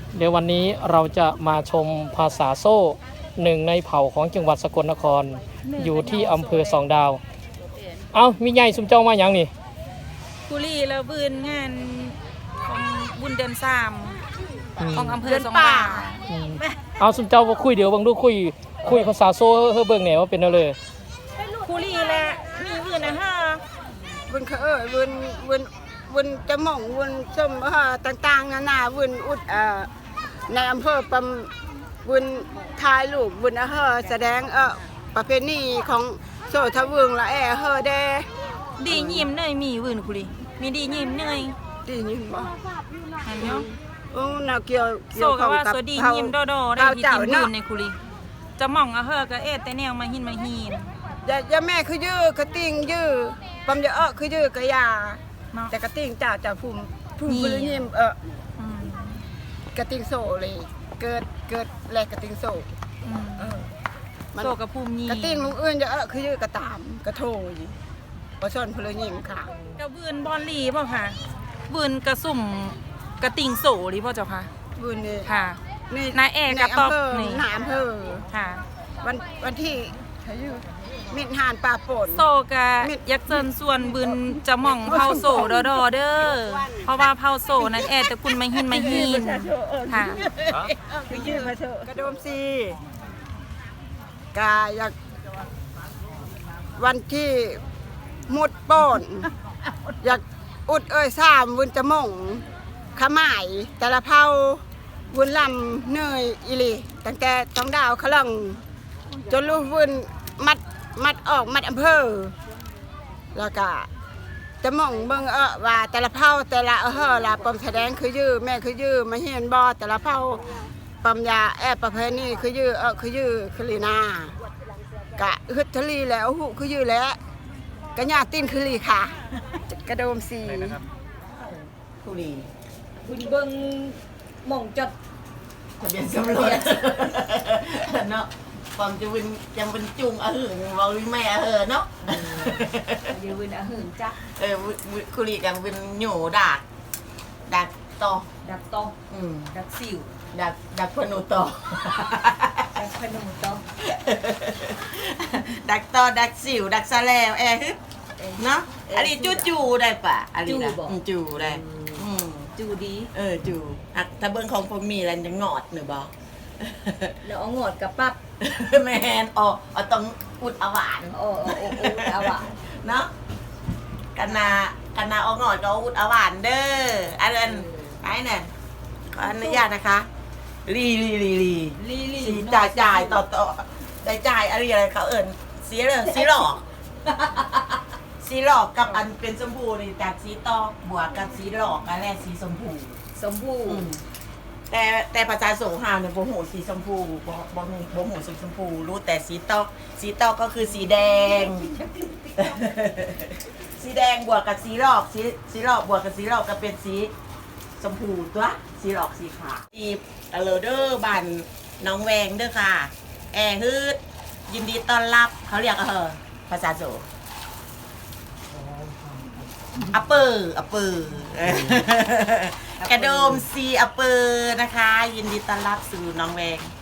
เดี๋ยววันนี้เราจะมาชมภาษาโซ่หนึ่งในเผ่าของจังหวัดสกลนครอยู่ที่อำเภอสองดาว เอามีใหญ่สุมเจ้ามาอย่างนี่กุลีแล้วบืนงานของบุญเดือนสามของอำเภอสองดาวอืมเอาสุมเจ้าว่าคุยเดี๋ยวบางดูคุยภาษาโซ่เฮ้เบิ่งแหนว่าเป็นอะไรกุลีแหละมีบืนนะฮะวุนเขาวุนจะหม่องวุนส้มต่างๆนานาวุนอุดในอำเภอปำวุนทายลูกวุนแสดงประเพณีของโซทะวึงละเดดียิ้มเนยมีบืนกุลีมีดียิ้มเนยดีนี่บ่เห็นเนาะน่าเกี่ยวโซก็ว่าโซดียิ้มโดโดได้ยินบืนในกุลีจะมองก็แต่แนวมาหินมาหินอย่าแม่คือยื้อกระติงยื้อปำจะคือยื้อกระยาแต่กระติงจ่าภูมิบุญยิ้มกระติงโซเลยเกิดแลกกระติงโซโซกับภูมิยีกระติ่งลุงเอื้นจะคือยื้อกระตามกระโถยประชนพลยิมค่ะกระบืนบอลลีเปล่าค่ะบืนกระสุ่มกระติงโสหรือเปล่าเจ้าค่ะบุญนี่ค่ะนี่นายเอกกระตอบนี่นายอำเภอค่ะวันที่เขาอยู่มิตรหานป่าป่นโซกะยักษ์เจินส่วนบืนจะหม่องเผาโซดอเด้อเพราะว่าเผาโซนั้นแต่คุณมาหินค่ะคือยื้อมาเถอะกระโดมซีกาอยากวันที่มุดป้อนอยากอุดสามวุนจะม่องขมายแต่ละเผาวุนลำเนยอิลีตั้งแต่ท้องดาวขลังจนลูกวุนมัดออกมัดอำเภอแล้วก็จะม่องเบิ่งว่าแต่ละเผาแต่ละละปมแสดงคือยื้อแม่คือยื้อมาเห็นบ่แต่ละเผาปมยาประเพณีคือยื้อคือยื้อคือลีนากะฮึดทะลีแล้วหุคือยื้อแล้วกะญาตินคือลีค่ะกระโดมสีผู้ดีคุณเบิ่งหม่องจดทะเบียนสำรวจเนาะความจะเป็นจุงหึงเราแม่เนาะอยู่วินหึงจักคุรีกันเป็นหนูดักต่อดักตอง ดักสิวดักพนุต่อดักพนมตองดักต่อดักสิวดักซาแล้วเนาะอันนี้จูได้ปะอันนี้นะจูได้จูดีจูถ้าเบิ้งของผมมีอะไรจะงอดหรือบ่แล้วเอางอดกับปั๊บแมนต้องอุดหวานโอ้เอาว่ะเนาะกันนาเอางอดก็อุดหวานเด้ออันนั้นไอ้เนี่ยขออนุญาตนะคะลีสีจ่ายต่อจ่ายอะไรเขาเอิญสีหลอกสีหลอกกับอันเป็นชมพูนี่จากสีตอกบวกกับสีหลอกอะไรสีชมพูสมบูรณ์แต่ภาษาสงครามเนี่ยโบโหสีชมพูโบโหสีชมพูรู้แต่สีตอกก็คือสีแดง สีแดงบวกกับสีหลอกสีหลอกบวกกับสีหลอกก็เป็นสีชมพูตัวสีหลอกสีขาวทีเลเดอร์บันน้องแวงเด้อค่ะฮืดยินดีต้อนรับเขาเรียกภาษาโสอัปเปอร์กระโดมซีอัปเปอร์นะคะยินดีต้อนรับสู่น้องแวง